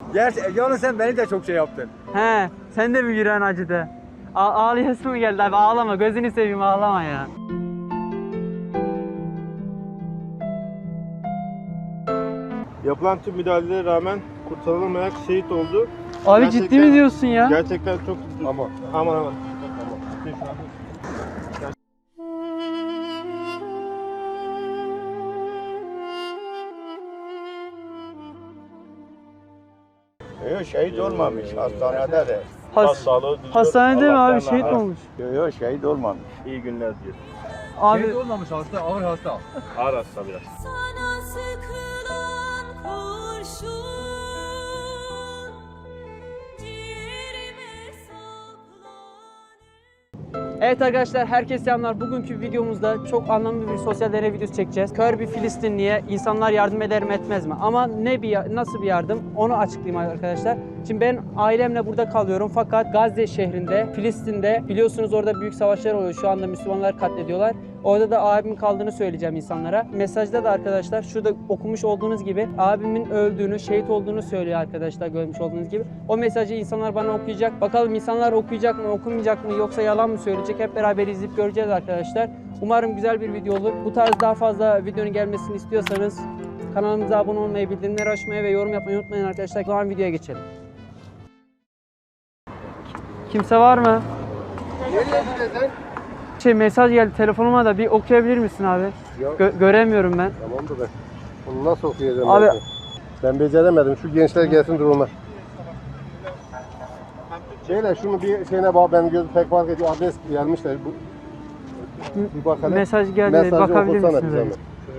Gerçi yalnız sen beni de çok şey yaptın. He, sen de mi yüreğin acıdı? Ağlayasın mı geldi abi? Ağlama, gözünü seveyim, ağlama ya. Yapılan tüm müdahalelere rağmen kurtarılamayarak şehit oldu. Abi Gerçekten- ciddi mi diyorsun ya? Gerçekten çok Ama aman. Yok şehit olmamış hastanede de. Hastanede mi abi? Şehit mi olmuş? Yok şehit olmamış. İyi günler diyor. Abi şey olmamış hasta, ağır hasta. Ağır hasta biraz. Sana sıkılan kurşun ciğerime saplanır. evet arkadaşlar, herkese selamlar. Bugünkü videomuzda çok anlamlı bir sosyal deney videosu çekeceğiz. Kör bir Filistinliye insanlar yardım eder mi etmez mi? Ama nasıl bir yardım onu açıklayayım arkadaşlar. Şimdi ben ailemle burada kalıyorum fakat Gazze şehrinde, Filistin'de biliyorsunuz orada büyük savaşlar oluyor. Şu anda Müslümanlar katlediyorlar. Orada da abimin kaldığını söyleyeceğim insanlara. Mesajda da arkadaşlar şurada okumuş olduğunuz gibi abimin öldüğünü, şehit olduğunu söylüyor arkadaşlar, görmüş olduğunuz gibi. O mesajı insanlar bana okuyacak. Bakalım insanlar okuyacak mı, okumayacak mı, yoksa yalan mı söyleyecek? Hep beraber izleyip göreceğiz arkadaşlar. Umarım güzel bir video olur. Bu tarz daha fazla videonun gelmesini istiyorsanız kanalımıza abone olmayı, bildirimleri açmayı ve yorum yapmayı unutmayın arkadaşlar. O zaman videoya geçelim. Kimse var mı? Mesaj geldi telefonuma da, bir okuyabilir misin abi? Göremiyorum ben. Tamamdır ben. Bunu nasıl okuyacağım Abi- ben beceremedim. Şu gençler gelsin duruma. Şeyle şunu bir şeyine bak, benim gözüm pek fark ediyor. Adres gelmişler. Bir bakalım. Mesaj geldi, Mesajı bakabilir okusana misiniz? bize. abi?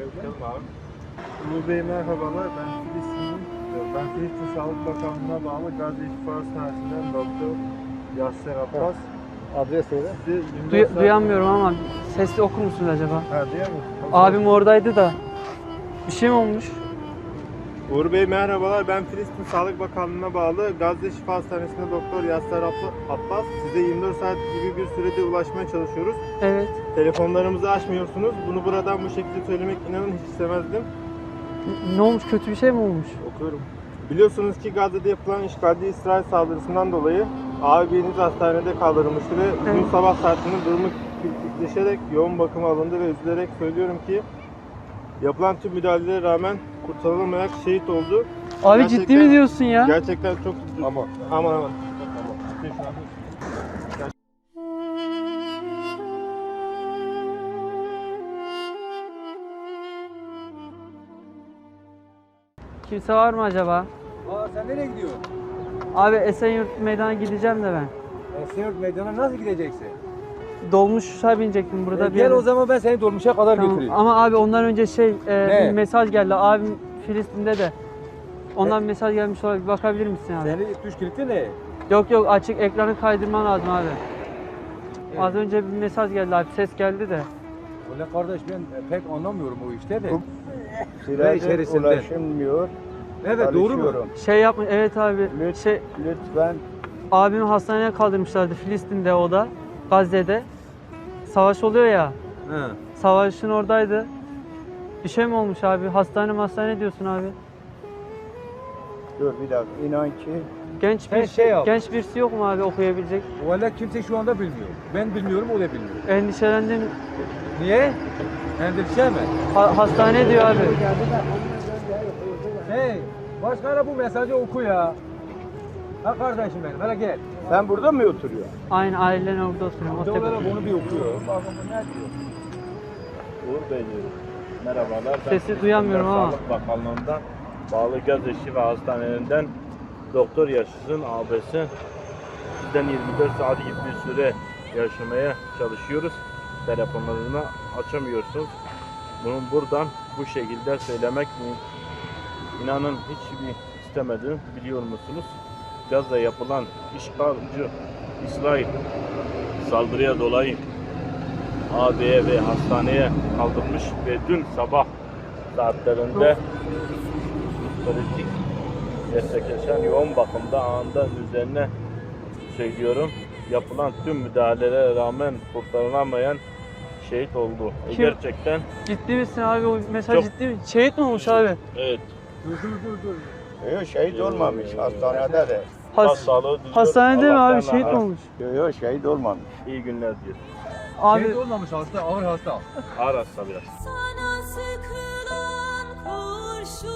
Ulu Bey merhabalar, ben Filistin'in, ben Filistin Sağlık Bakanlığı'na bağlı Gazze Şifa Hastanesi'nden Doktor Yasser Abbas. Adres neydi? Sizi 24 saat... Duyamıyorum ama sesli okur musunuz acaba? Ha, duyuyor musun? Abim oradaydı da. Bir şey mi olmuş? Uğur Bey merhabalar, ben Filistin Sağlık Bakanlığı'na bağlı Gazze Şifa Hastanesi'nde Doktor Yasser Abbas. Size 24 saat gibi bir sürede ulaşmaya çalışıyoruz. Evet. Telefonlarımızı açmıyorsunuz. Bunu buradan bu şekilde söylemek inanın hiç istemezdim. Ne olmuş? Kötü bir şey mi olmuş? Okuyorum. Biliyorsunuz ki Gazze'de yapılan işgalci İsrail saldırısından dolayı abiniz hastanede kaldırılmıştı ve bugün Evet. sabah saatinde durumu kritikleşerek yoğun bakıma alındı ve üzülerek söylüyorum ki yapılan tüm müdahalelere rağmen kurtarılamayarak şehit oldu. Abi Gerçekten- ciddi mi diyorsun ya? Gerçekten çok Ama. aman. Kimse var mı acaba? Sen nereye gidiyorsun? Abi Esenyurt meydana gideceğim de ben. Esenyurt meydana nasıl gideceksin? Dolmuşa binecektim burada bir Gel yere. o zaman ben seni dolmuşa kadar Tamam. götüreyim. Ama abi ondan önce Ne? bir mesaj geldi. Abim Filistin'de de. Ondan mesaj gelmiş olabilir. Bir bakabilir misin abi? Seni tuş kilitli ne? Yok açık, ekranı kaydırman lazım abi. Az önce bir mesaj geldi abi, ses geldi de. Ulan kardeş ben pek anlamıyorum o işte de. Silahı içerisinde. ulaşılmıyor. Evet doğru mu? Çalışıyorum. Şey yapmış, evet abi. Lütfen. Abimi hastaneye kaldırmışlardı Filistin'de, o da. Gazze'de. Savaş oluyor ya. He. Savaşın oradaydı. Bir şey mi olmuş abi? Hastane diyorsun abi. Dur bir dakika. İnan ki. Genç Sen bir şey yap. genç birisi yok mu abi okuyabilecek? Valla kimse şu anda bilmiyor. Ben bilmiyorum o da bilmiyor. Endişelendim. Niye? Endişe mi? Hastane diyor abi. Hey, başkana bu mesajı oku ya. Ha kardeşim benim, hele gel. Sen burada mı oturuyorsun? Aynı ailenin orada oturuyorum. o Bir de tepe. olarak bunu bir okuyor. Bakın bu ne diyor? Uğur Bey diyorum. Merhabalar. Ben Sesi Filistin duyamıyorum ama. Sağlık Bakanlığı'ndan bağlı Gazze Şifa Hastanelerinden Doktor Yaşar'ın abisi. Bizden 24 saat gibi bir süre yaşamaya çalışıyoruz. Telefonlarını açamıyorsunuz. Bunu buradan bu şekilde söylemek inanın hiçbir istemedim. Biliyor musunuz? Gazze yapılan işgalci İsrail saldırıya dolayı AB'ye ve hastaneye kaldırmış ve dün sabah saatlerinde kritik gerçekleşen yoğun bakımda anında üzerine söylüyorum yapılan tüm müdahalelere rağmen kurtarılamayan şehit oldu. Kim? Gerçekten Ciddi misin abi? O mesaj Çok- ciddi mi? Şehit mi olmuş abi? evet. Dur. Yok şehit olmamış. Hastanede de. Sağlığı düzgün. Hastanede mi Allah'tan abi? Şehit mi razı. olmuş? Yok şehit olmamış. İyi günler diyor. Abi Şehit olmamış hasta, ağır hasta. Ağır hasta biraz. Sana sıkılan kurşun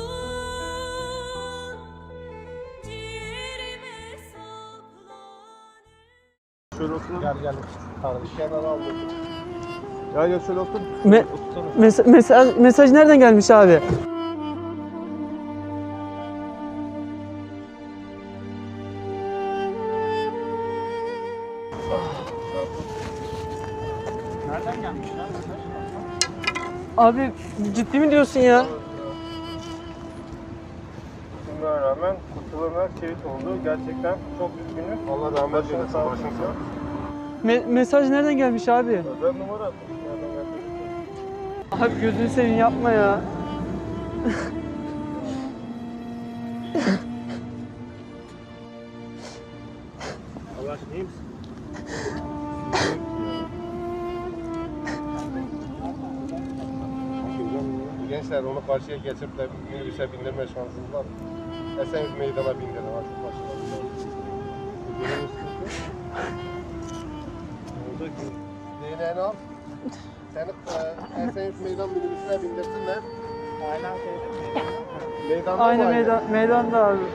ciğerime saplanır. Şöyle oturun. Gel. Kardeş kenara al. Gel şöyle otur. mesaj nereden gelmiş abi? Nereden gelmiş lan? Abi ciddi mi diyorsun ya? Bunlara rağmen kurtulana şehit oldu. Gerçekten çok üzgünüm. Allah rahmet eylesin. Başın sağ olsun. Mesaj nereden gelmiş abi? Özel numara atmış. Nereden geldi? Abi gözünü seveyim yapma ya. Allah aşkına iyi misin? Gençler onu karşıya geçirip de minibüse bindirme şansınız var mı? Esenyurt meydana bindirin artık başına. DNA'nı al. Seni Esenyurt meydan minibüsüne bindirsinler. Meydanda Aynen meydanda abi.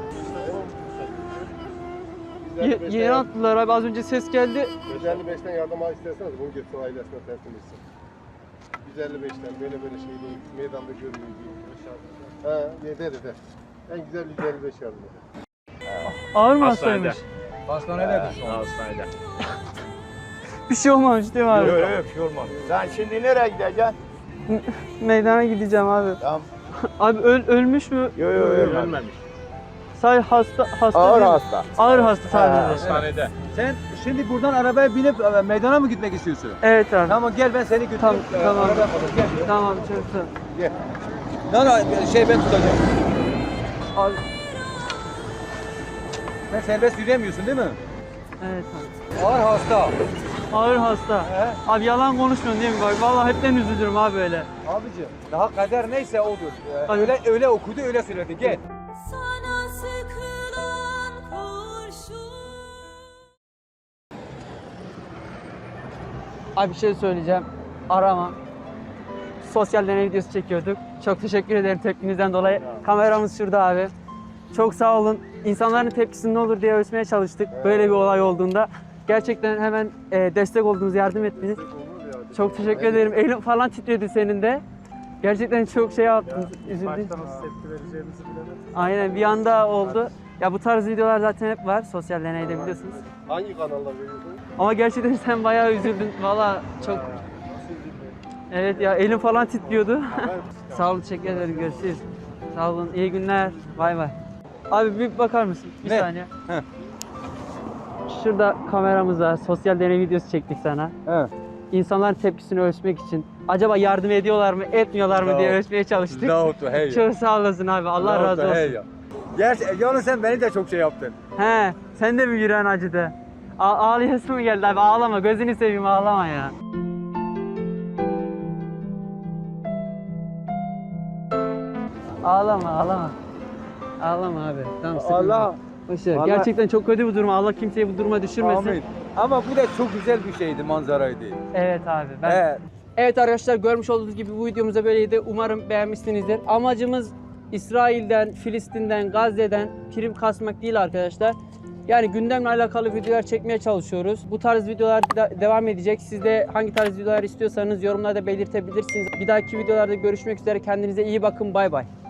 Yeni attılar abi, az önce ses geldi. 155'ten yardım al isterseniz bunu götür ailesine teslim etsin. 155'ten böyle şey değil. Meydanda görmüyor değil. He, eder. En güzel 155 yardım eder. Ağır mı Hastanede. hastaymış? Hastanededir şu an. Hastanede. Bir şey olmamış değil mi abi? Yok bir şey olmamış. Sen şimdi nereye gideceksin? Meydana gideceğim abi. Tamam. Abi ölmüş mü? Yok Ölmemiş. Sadece hasta Ağır değil mi? hasta. Ağır hasta sadece. Hastanede. Sen şimdi buradan arabaya binip meydana mı gitmek istiyorsun? Evet abi. Tamam gel ben seni götüreyim. Tamam. Arabaya kadar gel. Tamam çok Lan ben tutacağım. Abi, Sen serbest yürüyemiyorsun değil mi? evet abi. Ağır hasta. Ağır hasta. He? Abi yalan konuşmuyorsun değil mi? Bak vallahi hepten üzülürüm abi öyle. Abicim daha kader neyse odur. Abi- Öyle okudu öyle söyledi. Gel. Sana sıkılan kurşun Abi bir şey söyleyeceğim. Arama. Sosyal deney videosu çekiyorduk. Çok teşekkür ederim tepkinizden dolayı. Kameramız şurada abi. Çok sağ olun. İnsanların tepkisi ne olur diye ölçmeye çalıştık. Böyle bir olay olduğunda. Gerçekten hemen destek oldunuz, yardım ettiniz. Çok teşekkür ederim. Elim falan titredi senin de. Gerçekten çok şey yaptınız, üzüldüm. Başta nasıl tepki vereceğimizi bilemedim. Aynen bir anda oldu. Ya bu tarz videolar zaten hep var sosyal deneyde biliyorsunuz. Hangi kanallar veriyorsun? Ama gerçekten sen bayağı üzüldün. Valla çok... Evet ya elim falan titriyordu. Sağ olun, teşekkür ederim. Görüşürüz. Sağ olun, iyi günler. Bay bay. Abi bir bakar mısın? Bir Ne? saniye. Şurada kameramız var. Sosyal deney videosu çektik sana. He. İnsanların tepkisini ölçmek için. Acaba yardım ediyorlar mı, etmiyorlar mı diye ölçmeye çalıştık. Hey. Çok sağ olasın abi. Allah razı olsun. Gerçi yalnız sen beni de çok şey yaptın. He, sen de mi yüreğin acıdı? Ağlayasın mı geldi abi? Ağlama, gözünü seveyim ağlama ya. Ağlama. Ağlama abi. Tamam, sıkıntı Allah. yok. Boş ver. Allah- Gerçekten çok kötü bir durum. Allah kimseyi bu duruma düşürmesin. Amin. Ama bu da çok güzel bir şeydi, manzaraydı. Evet abi. He. Evet arkadaşlar, görmüş olduğunuz gibi bu videomuz da böyleydi. Umarım beğenmişsinizdir. Amacımız İsrail'den, Filistin'den, Gazze'den prim kasmak değil arkadaşlar. Yani gündemle alakalı videolar çekmeye çalışıyoruz. Bu tarz videolar devam edecek. Siz de hangi tarz videolar istiyorsanız yorumlarda belirtebilirsiniz. Bir dahaki videolarda görüşmek üzere. Kendinize iyi bakın. Bay bay.